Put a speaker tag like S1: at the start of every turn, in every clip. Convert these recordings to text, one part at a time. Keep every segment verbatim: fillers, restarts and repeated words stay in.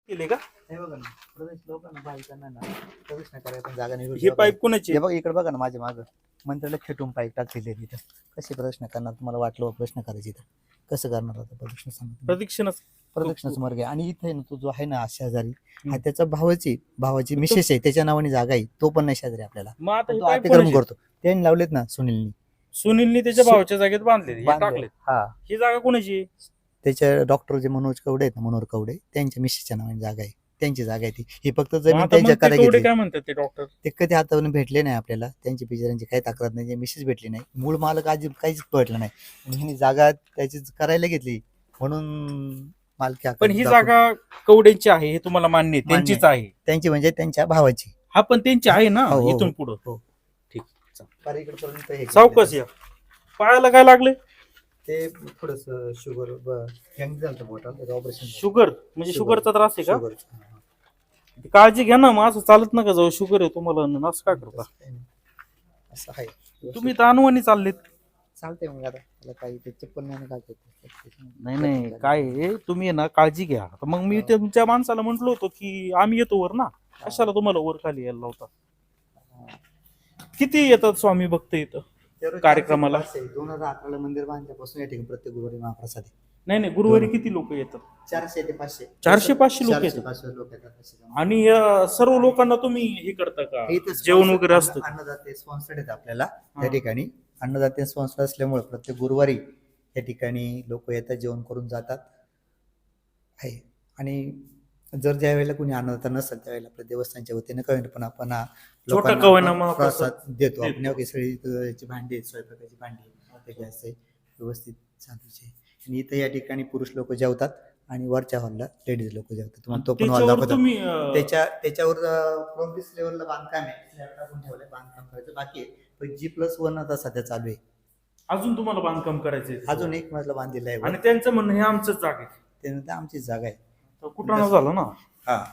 S1: केले का?
S2: हे बघा ना, प्रदेश लोकांना बायकांना ना प्रवेश नाही करायला पण जागा नाही.
S1: हे पाईप कोणाचे?
S2: हे बघा इकडे बघा ना, माझ्या मागं मंत्र्याला खेटून पाईप टाकलेले तिथं. कसे प्रश्न करणार? तुम्हाला वाटलं प्रश्न करायचे तर कसं करणार आता प्रदक्षिण सांगा.
S1: प्रदक्षिणच
S2: प्रदक्षिणाच मार्ग आहे. आणि इथे ना तो जो आहे ना शेजारी हा त्याचा भावाची भावाची मिसेस आहे, त्याच्या नावाने जागा आहे. तो पण नाही शेजारी आपल्याला,
S1: मग आता हे
S2: तो
S1: पाईप
S2: अतिक्रम
S1: कोणाचे?
S2: करतो. त्यांनी लावलेत ना सुनीलनी.
S1: सुनीलनी त्याच्या
S2: सु-
S1: भावाच्या जागेत बांधले हे
S2: बांधले.
S1: टाकले.
S2: हा,
S1: ही जागा कोणाची आहे?
S2: त्याच्या डॉक्टर जे मनोज कवडे आहेत ना, मनोहर कवडे, त्यांच्या मिसेसच्या नावाने जागा आहे. त्यांची जागा आहे ती. ही फक्त
S1: मग
S2: जमीन
S1: आता
S2: त्यांच्या
S1: मग ते
S2: कडे
S1: केवढे
S2: घेतली.
S1: काय म्हणतात ते डॉक्टर?
S2: ते कधी हातावरून भेटले नाही आपल्याला. त्यांची बिचाऱ्यांची काही तक्रार नाही, जे मिसेस भेटली नाही, मूळ मालक आजी काहीच भेटलं नाही. आणि ह्यांनी जागा त्याची करायला घेतली म्हणून मालकी हक्क
S1: पण ही
S2: दाखवून-
S1: जागा कवड्यांची आहे हे तुम्हाला मान्य आहे?
S2: मान्य
S1: त्यांचीच
S2: आहे.
S1: आहे.
S2: त्यांची म्हणजे त्यांच्या भावाची.
S1: हा पण त्यांची आहे ना
S2: हो, हो,
S1: इथून
S2: हो.
S1: पुढं.
S2: हो.
S1: ठीक.
S2: फार इकडपर्यंत हे
S1: सावकाश
S2: केलेलं.
S1: या. पायाला काय लागले?
S2: ते थोडस शुगर हँग झालं बोटाला, त्याचं ऑपरेशन.
S1: शुगर म्हणजे
S2: शुगर.
S1: शुगरचा त्रास आहे का?
S2: शुगर.
S1: काळजी घ्या ना, मग असं चालत नका जाऊ. शुगर आहे तुम्हाला न असं काय करता?
S2: असं आहे.
S1: तुम्ही तर अनुवानी चाललेत.
S2: चालतंय मग आता त्याला काही ते चप्पल नाही घालत.
S1: नाही नाही काय आहे, तुम्ही आहे ना काळजी घ्या. आता मग मी तुमच्या माणसाला म्हंटलो होतो की आम्ही येतो वर ना, कशाला तुम्हाला वर खाली यायला लावता? किती येतात स्वामी भक्त इथं कार्यक्रमाला?
S2: दोन हजार अकराला मंदिर बांधल्यापासून या ठिकाणी प्रत्येक गुरुवारी महाप्रसाद आहे.
S1: नाही नाही गुरुवारी किती लोक येतात?
S2: चारशे ते पाचशे.
S1: चारशे पाचशे लोक
S2: चारशे
S1: येतात.
S2: पाचशे लोक येतात.
S1: आणि अं, सर्व लोकांना तुम्ही हे करता का?
S2: इथं
S1: जेवण
S2: sponsor-
S1: वगैरे असतं?
S2: अन्न- अन्नदाते स्पॉन्सर्ड आहेत आपल्याला
S1: हा.
S2: त्या ठिकाणी. अन्नदाते स्पॉन्सर असल्यामुळे प्रत्येक गुरुवारी या ठिकाणी लोक येतात, जेवण करून जातात आहे. आणि जर ज्या वेळेला कोणी अन्नदाता नसेल त्यावेळेला आपल्या देवस्थानच्या वतीने कळेल, पण आपण हा
S1: छोटा
S2: लोकांना
S1: का होईना
S2: आपण
S1: महाप्रसाद
S2: प्रसाद देतो.
S1: देतो.
S2: आपण एवढी सगळी अं, याची भांडी आहेत, स्वयंपाकाची भांडी ते गॅस आहे व्यवस्थित चालूच आहे. आणि इथं या ठिकाणी पुरुष लोक जेवतात आणि वरच्या हॉलला लेडीज लोक जेवतात. तुम्हाला तो पण हॉल
S1: त्याच्यावर
S2: दाखवतात.
S1: तुम्ही अं,
S2: त्याच्या त्याच्यावर प्रोग्रेस लेवलला बांधकाम आहे, स्लॅब टाकून ठेवलंय, बांधकाम करायचं बाकी आहे. पण जी प्लस वन आता सध्या चालू आहे.
S1: अजून तुम्हाला बांधकाम करायचंय?
S2: अजून एक मजला बांधलेला आहे वर.
S1: आणि त्यांचं म्हणणं हे आमचंच जागा आहे.
S2: त्यानंतर आमची जागा आहे.
S1: तर कुठं झालं ना.
S2: हा,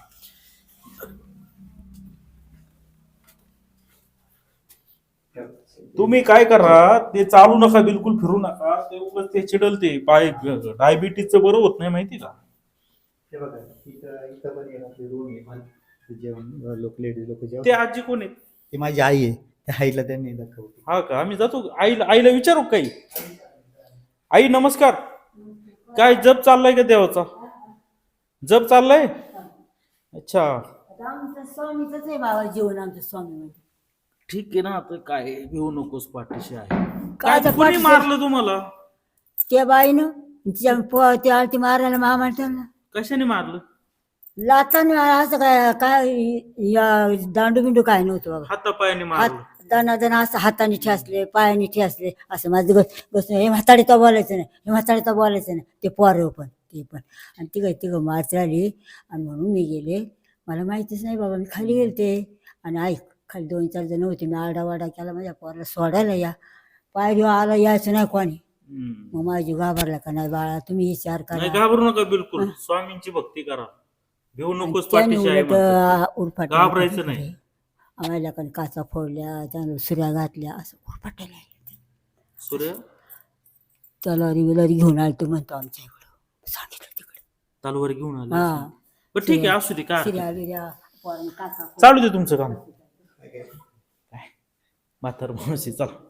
S1: तुम्ही काय करा, ते चालू नका, बिलकुल फिरू नका. ते उगाच ते चिडल, ते पाय डायबिटीजचं बरं होत नाही माहिती का?
S2: हे बघा इथं इथं पण आहे आपली रूम आहे, पण जेवण लोक लेडीज लोक जेवण.
S1: ते आजी कोण आहे?
S2: ती माझी आई आहे. त्या आईला त्यांनी दाखवली.
S1: हा का? आम्ही जातो आईला आईला विचारू काही. आई नमस्कार. काय जप चाललाय का देवाचा? जप चाललाय? अच्छा
S3: आमचं स्वामीच आहे बाबा, जीवन आमचं स्वामी म्हणजे.
S1: ठीक आहे ना. आता काय घेऊ नकोस, पाठीशी आहे.
S3: काय
S1: काय कोणी मारलं तुम्हाला?
S3: त्या बाईनं तिच्या पो- त्या ती मारायला मामा त्यांना
S1: कशाने मारलं?
S3: लाताने असं काय काय या दांडू बिंडू काय नव्हतं बाबा.
S1: हातापायाने
S3: हात
S1: मारलं?
S3: दाना दाना असं हाताने ठेसले, पायाने ठेसले, असं माझं बस बसून हे म्हाताडीचा बोलायचं नाही, हे म्हाताडीचा बोलायचं नाही. ते पोरं पण ते पण आणि तिघं तिघं मारत राहिली. आणि म्हणून मी गेले. मला माहितीच नाही बाबा, मी खाली गेले ते. आणि ऐक, खाली दोन चार जण होते. मी आरडावाडा केला माझ्या पोराला सोडायला या. पायरी आला यायचं नाही कोणी.
S1: हम्म.
S3: मग माझी घाबरला का नाही बाळा, तुम्ही विचार
S1: नाही
S3: करा.
S1: घाबरू नका बिलकुल. स्वामींची भक्ती करा. घेऊ नकोस,
S3: त्याने
S1: पाठीशी आहे
S3: उलट
S1: म्हणतात.
S3: उरफाट
S1: घाबरायचं नाही.
S3: आम्हाला पण काचा फोडल्या, त्यानं सुऱ्या घातल्या, असं उरफाटायला
S1: सूर्य
S3: तलवारी बिलवारी घेऊन आलो तो म्हणतो आमच्या इकडं. सांगितलं तिकडे.
S1: तलवार घेऊन आले.
S3: हा,
S1: बरं ठीक आहे, असू दे. काय हरकत
S3: शिर्या बिर्या पोरांनी काचा
S1: नाही. चालू दे तुमचं काम. म्हातार माणूस आहे, चला.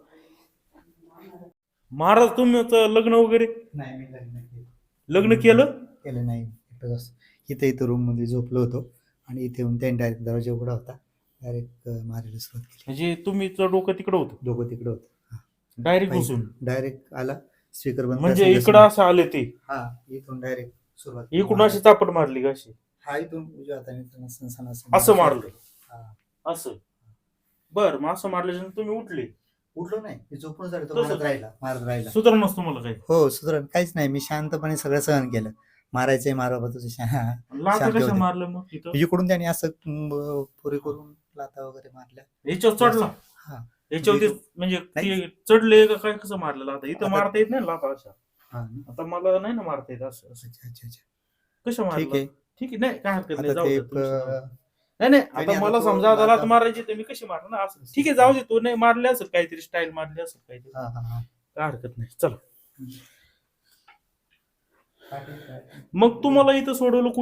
S1: महाराज तुमचं लग्न वगैरे
S2: नाही, मी लग्न केलं
S1: लग्न केलं?
S2: केलं नाही. एकटंच असं. इथं इथं रूम मध्ये झोपलो होतो आणि इथे येऊन त्यांनी डायरेक्ट दरवाजा उघडा होता, डायरेक्ट मारायला सुरुवात केली.
S1: म्हणजे तुमचं डोकं तिकडं होतं?
S2: दोघं तिकडे होतं.
S1: डायरेक्ट घुसून?
S2: डायरेक्ट आला स्पीकर बंद
S1: म्हणजे
S2: करायचं
S1: इकडं असं आले ते?
S2: हा, इथून डायरेक्ट सुरुवात.
S1: इकडून अशी चापट मारली का अशी?
S2: हा, इथून उजव्या हाताने इथून असं सण-
S1: असं मारलं?
S2: हा.
S1: असं? बर, मग असं मारल्याच्यानंतर तुम्ही उठले?
S2: उठलो नाही, मी झोपून झालो तो,
S1: तसंच?
S2: मारत राहिला मारत राहिला.
S1: सुधारणच तुम्हाला काही?
S2: हो, सुधारण काहीच नाही. मी शांतपणे सगळं सहन केलं. मारायचंय मारा बा तुझं शा-
S1: लाथा
S2: शांत
S1: कशा
S2: होते.
S1: मारलं मग तिथं?
S2: इकडून त्याने असं म, पुरी करून लाथा वगैरे मारल्या.
S1: याच्यावर चढला?
S2: हा,
S1: याच्यावरती म्हणजे
S2: नाही.
S1: ते चढले का काय? कसं मारलं लाथा? इथं
S2: आता-
S1: मारता येत नाही लाथा अशा.
S2: हा ना.
S1: आता मला नाही ना मारता येत असं असं.
S2: अच्छा अच्छा अच्छा,
S1: कशा
S2: ठीक
S1: मारलं?
S2: आहे.
S1: ठीक आहे, नाही काय हरकत नाही,
S2: आता
S1: जाऊ
S2: ते
S1: दे तुमचं.
S2: प-
S1: नाही नाही,
S2: आणि
S1: आता
S2: आता
S1: मला
S2: तो
S1: समजा आता लाथ
S2: लाथा-
S1: मारायची तर मी कशी मारणार ना असं. ठीक आहे, जाऊ दे. तू नाही मारले असेल काहीतरी, स्टाईल मारली असेल काहीतरी,
S2: हा हा हा.
S1: काय हरकत नाही. चला.
S2: काय- काय-
S1: मग तुम्हाला इथं सोडवलं कोणी?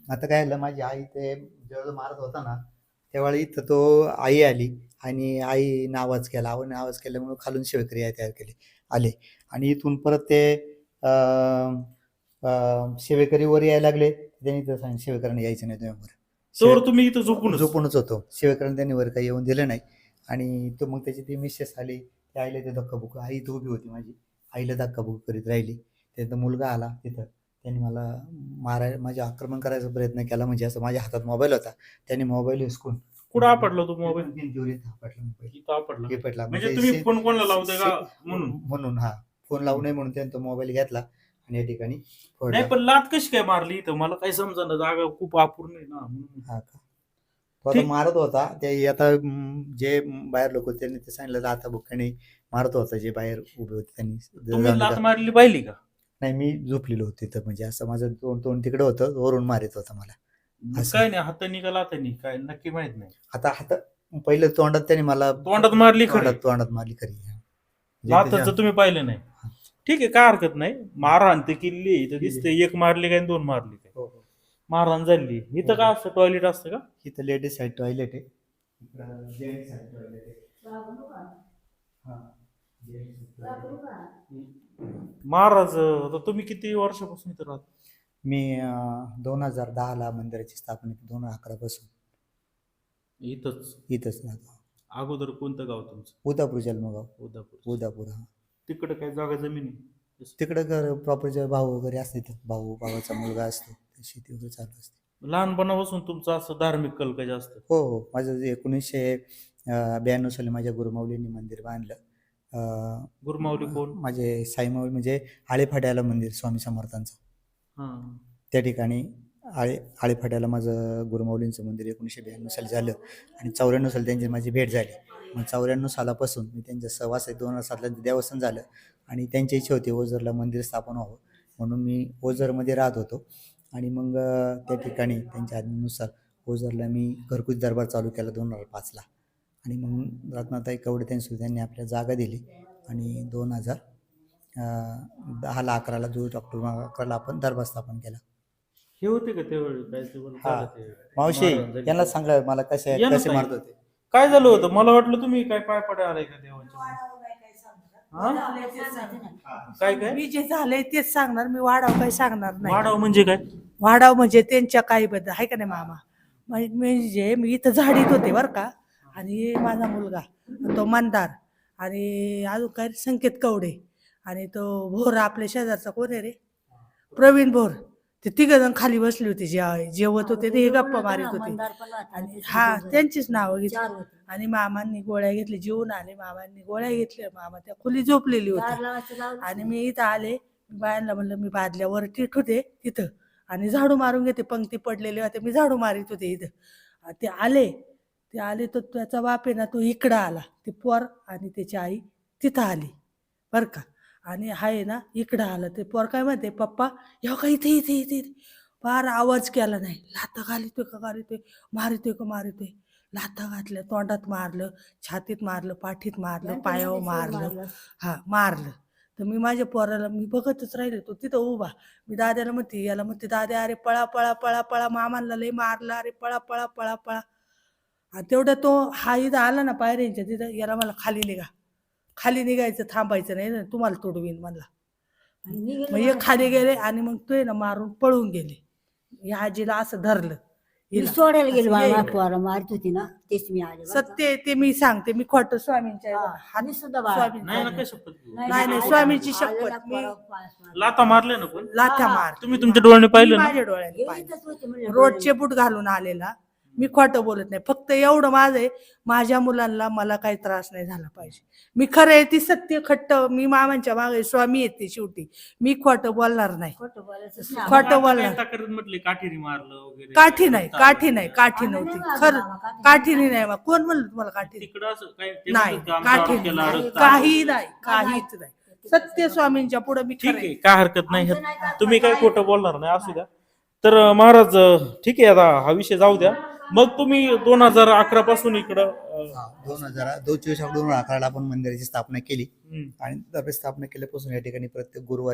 S2: आता काय झालं, माझी आई ते जेव्हा मारत होता ना त्यावेळी इथं तो आई आली आणि आईनं आवाज केला. आईनं आवाज केल्यामुळे खालून शेवकरी आई तयार केले आले आणि इथून परत ते अं, अं, शेवेकरी वर यायला लागले. त्यांनी तर सांगितलं शेवेकरांना यायचं नाही तुम्ही वर.
S1: तर तुम्ही इथं झोपून
S2: झोपूनच होतो. शिवेकरांना त्यांनी वर काही येऊन दिलं नाही आणि तो मग त्याची ती मिसेस आली, ते आईला ते धक्काबुक्का, आई इथं उभी होती माझी, आईला धक्काबुक्की करीत राहिली. त्याचा मुलगा आला तिथं, त्यांनी मला माराय माझे आक्रमण करायचा प्रयत्न केला. म्हणजे असं माझ्या हातात मोबाईल होता, त्यांनी मोबाईल हिसकून
S1: कुठं आपटला तो मोबाईल?
S2: भिंतीवर इथं आपटला मोबाईल.
S1: इथं आपटला.
S2: हे पडला
S1: म्हणजे तुम्ही फोन कोणाला लावताय का
S2: शे-
S1: म्हणून?
S2: म्हणून हा फोन लावू नये म्हणून त्यांनी तो मोबाईल घेतला आणि या ठिकाणी फोडला.
S1: नाही पण लात कशी काय मारली इथं मला काही समजा जागा खूप अपूर्ण आहे ना म्हणून.
S2: हा का तो आता
S1: ठीक.
S2: मारत होता ते आता म, जे बाहेर लोक होते त्यांनी ते सांगितलं आता बुक्काने मारत होता, जे बाहेर उभे होते त्यांनी.
S1: तुम्ही लात मारली पाहिली का?
S2: नाही, मी झोपलेलो होतो तिथं, म्हणजे असं माझं तोंड तोंड तिकडे होतं, वरून मारित होता मला. असं.
S1: काय नाही हातानी का लातानी काय नक्की माहित नाही.
S2: आता हात पहिलं तोंडात त्याने मला
S1: तोंडात मारली खरी.
S2: तोंडात तोंडात मारली खरी. म्हणजे
S1: लाताचं
S2: त्याच्या-
S1: तुम्ही पाहिलं नाही. ठीक आहे काय हरकत नाही. मारहाण ते किल्ली इथं दिसते, एक मारली काय आणि दोन मारली काय.
S2: हो, हो.
S1: मारहाण झाली. इथं काय असतं टॉयलेट असतं का?
S2: इथं लेडीज साईड टॉयलेट आहे, इकडं जेंट्स साईड टॉयलेट आहे. हा, जेंट्स
S1: महाराज आता तुम्ही किती वर्षापासून इथं राहता?
S2: मी दोन हजार दहा ला मंदिराची स्थापना केली, दोन हजार अकरा पासून
S1: इथंच.
S2: इथंच राहतो.
S1: अगोदर कोणतं गाव तुमचं?
S2: उदापूर जन्मगाव.
S1: उदापूर.
S2: उदापूर हा.
S1: तिकडे काय जागा जमीन आहे?
S2: तिकडं घर प्रॉपर भाऊ वगैरे असते, इथं भाऊ भावाचा मुलगा असतो, शेती वगैरे चालू असते.
S1: लहानपणापासून तुमचं असं धार्मिक कल काय जास्त?
S2: हो हो, माझं जे एकोणीसशे ब्याण्णव साली माझ्या गुरुमाऊलींनी मंदिर बांधलं. अं,
S1: गुरुमाऊली कोण?
S2: माझे साईमाऊली म्हणजे आळेफाट्याला मंदिर स्वामी समर्थांचं,
S1: हा.
S2: त्या ठिकाणी आळे आळेफाट्याला माझं गुरुमाऊलींचं मंदिर एकोणीसशे ब्याण्णव साली झालं आणि चौऱ्याण्णव साली त्यांची माझी भेट झाली. मग चौऱ्याण्णव सालापासून मी त्यांच्या सहवास आहे. दोन हजार सातला देवस्थान झालं आणि त्यांची इच्छा होती ओझरला मंदिर स्थापन व्हावं, म्हणून मी ओझरमध्ये राहत होतो. आणि मग अं, त्या ठिकाणी त्यांच्या आज्ञेनुसार ओझरला मी घरगुती दरबार चालू केला दोन हजार पाचला. आणि मग रत्नाताई कवडे त्यांनी त्यांनी आपल्याला जागा दिली आणि दोन हजार दहाला अकराला दोन ऑक्टोबर अकराला आपण दरबार स्थापन केला.
S1: हे होते का त्यावेळी काय ते बरं
S2: हा.
S1: झालं ते?
S2: मावशी
S1: महाराज झाले.
S2: यांना सांगा मला कसे
S1: या ना
S2: कसे
S1: ताई.
S2: मारत होते.
S1: काय झालं होतं? मला वाटलं तुम्ही काय पाय पड्या आलाय का देवाच्या. हा? काय काय
S4: मी जे झालंय तेच सांगणार, मी वाढाव काही सांगणार नाही.
S1: वाढाव म्हणजे काय?
S4: वाढाव म्हणजे त्यांच्या काही बद्दल आहे का नाही मामा. म्हणजे म्हणजे मी इथं झाडीत होते बरं का, आणि माझा मुलगा तो मंदार आणि अजून काय संकेत कवडे आणि तो भोर आपल्या शेजारचा कोण आहे रे, प्रवीण भोर, ते तिघ जण खाली बसले होते, जे जेवत होते ते हे गप्पा मारित होते. आणि हा त्यांचीच नावं घेतली आणि मामांनी गोळ्या घेतल्या, जेवून आले, मामांनी गोळ्या घेतल्या, मामा त्या खोली झोपलेली होती. आणि मी इथं आले, बायांना म्हणलं मी बादल्यावर टीट होते तिथं आणि झाडू मारून घेते, पंक्ती पडलेले होते, मी झाडू मारित होते इथं. ते आले ते आले तर त्याचा बाप आहे ना तो इकडं आला, ते पोर आणि त्याची आई तिथं आली बरं का, आणि आहे ना इकडं आलं. ते पोर काय म्हणते, पप्पा येऊ का इथे इथे इथे इथे. फार आवाज केला नाही, लाथा घालितोय का घालितोय, मारितोय का मारितोय, लाथा घातल्या, तोंडात मारलं, छातीत मारलं, पाठीत मारलं, पायावर मारलं, हा मारलं. तर मी माझ्या पोराला मी बघतच राहिले, तो तिथं उभा. मी दाद्याला म्हणते, याला म्हणते, दाद्या अरे पळा पळा पळा पळा, मामांना लई मारलं, अरे पळा पळा पळा पळा. आणि तेवढं तो हा इथं आला ना पायऱ्यांच्या तिथं, याला मला खाली निघा, खाली निघायचं, थांबायचं नाही ना, तुम्हाला तोडवीन म्हणला. मग हे खाली गेले आणि मग तो ना मारून पळून गेले. या आजीला असं धरलं,
S3: मी
S4: हिला.
S3: सोडायला गेली
S4: असं ये.
S3: मला पोरं मारत होती ना, तेच मी आले बरं का.
S4: सत्य आहे ते मी सांगते, मी खोटं स्वामींच्या
S3: हा,
S4: हात
S3: मी सुद्धा बाळा.
S4: स्वामींच्या
S1: नाही ना
S4: हात-
S1: काय शपथ घेऊ.
S4: नाही, नाही, स्वामींची शपथ.
S3: आलेला
S4: मी-
S3: पोरं पाय मारला.
S1: लाथा मारल्या ना पण
S4: लाथ्या मार
S1: तुम्ही तुमच्या डोळ्याने पाहिलं ना?
S4: माझ्या डोळ्याने
S3: हे
S4: पाहिलं.
S3: इथंच होते म्हणलं
S4: रोडचे बूट घालून आलेला, मी खोटं बोलत नाही. फक्त एवढं माझं आहे, माझ्या मुलांना मला काही त्रास नाही झाला पाहिजे. मी खरं आहे ती सत्य खट्ट, मी मामांच्या मागे स्वामी येते शेवटी, मी खोटं बोलणार नाही.
S3: खोटं बोलायचंच नाही.
S4: खोटं
S1: आता
S4: बोलणार.
S1: काय तक्रार म्हटली काठीने मारलं वगैरे?
S4: काठी नाही, काठी नाही, काठी
S3: आम्ही
S4: नव्हती
S3: नाही मारलं
S4: खरं,
S3: मामा, काठी
S4: काठीने नाही बा. कोण म्हणलं तुम्हाला काठी?
S1: तिकडं असं काय ते
S4: नाही,
S1: म्हणतात का आमचा
S4: काठी
S1: आरोप केला,
S3: नाही,
S1: रक्त
S4: काही
S1: आलं.
S4: नाही, काहीच नाही. सत्य स्वामींच्या पुढे मी
S1: ठीक
S4: खरं
S1: आहे
S4: आहे.
S1: काय हरकत नाही.
S3: आमचं नाही का-
S1: तुम्ही काय खोटं बोलणार नाही असू द्या. तर अं, महाराज अं, ठीक आहे आता हा विषय जाऊ द्या. मग तुम्ही दोन हजार अकरा पासून इकडं अं,
S2: दोन हजार दोन चोवीस दोन हजार अकराला आपण मंदिराची स्थापना केली
S1: हम्म.
S2: आणि दरबार स्थापना केल्यापासून या ठिकाणी प्रत्येक गुरुवारी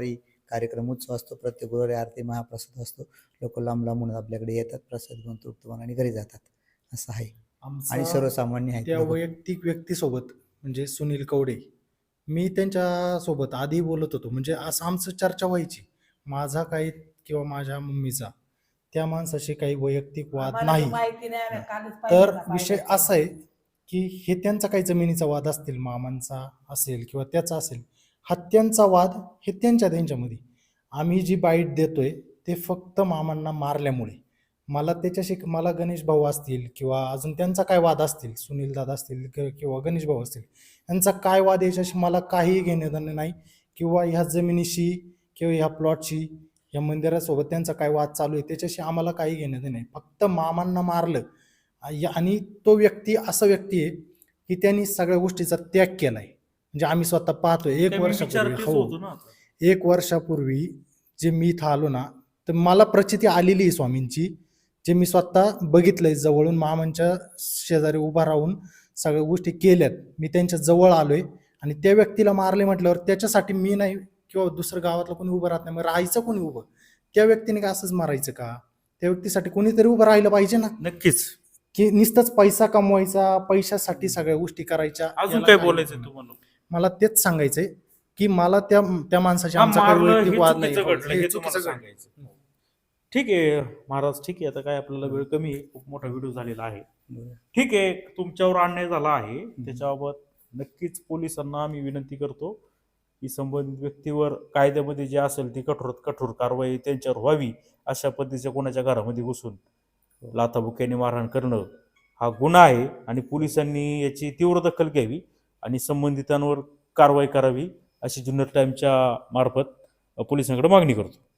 S2: कार्यक्रम उत्सव असतो. प्रत्येक गुरुवारी आरती महाप्रसाद असतो. लोक लांब लांबून आपल्याकडे येतात, प्रसाद घेऊन तृप्त आणि घरी जातात. असं आहे. आणि
S5: आमचा
S2: सर्वसामान्य आहेत
S5: त्या
S2: लोकं.
S5: वैयक्तिक व्यक्तीसोबत म्हणजे सुनील कवडे, मी त्यांच्यासोबत आधी बोलत होतो, म्हणजे असं आमचं चर्चा व्हायची, माझा काही किंवा माझ्या मम्मीचा त्या माणसाशी काही वैयक्तिक वाद
S4: आम्हाला
S5: नाही.
S4: तर माहिती नाही, आम्ही कालच
S5: तर
S4: पहिल्यांदा
S5: विषय
S4: पाहिलं.
S5: असा आहे की हे त्यांचा काही जमिनीचा वाद असतील, मामांचा असेल किंवा त्याचा असेल, हा त्यांचा वाद, हे त्यांच्या त्यांच्यामध्ये. आम्ही जी बाईट देतोय ते फक्त मामांना मारल्यामुळे. मला त्याच्याशी मला गणेश भाऊ असतील किंवा अजून त्यांचा काय वाद असतील, सुनील दादा असतील कि- किंवा गणेश भाऊ असतील, यांचा काय वाद याच्याशी मला काहीही घेणं देणं नाही. किंवा ह्या जमिनीशी किंवा ह्या प्लॉटशी, या मंदिरासोबत त्यांचा काय वाद चालू आहे त्याच्याशी आम्हाला काही घेणं देणं नाही. फक्त मामांना मारलं. आ- या- आणि तो व्यक्ती असा व्यक्ती आहे की त्यांनी सगळ्या गोष्टीचा त्याग केलाय. म्हणजे आम्ही स्वतः पाहतोय. एक
S1: ते मी विचार
S5: वर्षापूर्वी
S1: तेच
S5: हो
S1: होतो ना आता.
S5: एक वर्षापूर्वी जे मी इथं आलो ना, तर मला प्रचिती आलेली आहे स्वामींची, जे मी स्वतः बघितलंय जवळून. मामांच्या शेजारी उभा राहून सगळ्या गोष्टी केल्यात. मी त्यांच्या जवळ आलोय आणि त्या व्यक्तीला मारले म्हटल्यावर त्याच्यासाठी मी नाही किंवा दुसरं गावातलं कोणी उभं राहत नाही, मग राहायचं कोणी उभं? त्या व्यक्तीने काय असंच मारायचं का? त्या व्यक्तीसाठी कोणीतरी उभं राहिलं पाहिजे ना,
S1: नक्कीच.
S5: की नुसतंच पैसा कमवायचा, पैशासाठी सगळ्या गोष्टी करायच्या.
S1: अजून
S5: याला
S1: काय
S5: काही
S1: बोलायचंय
S5: नाही.
S1: तुम्हाला?
S5: मला तेच सांगायचंय की मला त्या त्या माणसाची
S1: हा,
S5: आमचा काही
S1: मारलं
S5: वैयक्तिक
S1: हे
S5: वाद नाही.
S1: चुकीचं
S5: हो,
S1: घडलं
S5: हे
S1: हे
S5: चुकीचं
S1: तुम्हाला
S5: घडलं.
S1: सांगायचं. ठीक आहे महाराज, ठीक आहे. आता काय आपल्याला वेळ कमी आहे, खूप मोठा व्हिडिओ झालेला आहे. ठीक आहे, तुमच्यावर अन्याय झाला आहे, त्याच्याबाबत नक्कीच पोलिसांना आम्ही विनंती करतो की संबंधित व्यक्तीवर कायद्यामध्ये जे असेल ती कठोर कठोर कारवाई त्यांच्यावर व्हावी. अशा पद्धतीच्या कोणाच्या घरामध्ये घुसून लाथाबुक्याने मारहाण करणं हा गुन्हा आहे आणि पोलिसांनी याची तीव्र दखल घ्यावी आणि संबंधितांवर कारवाई करावी, अशी जुन्नर टाइमच्या मार्फत पोलिसांकडे मागणी करतो.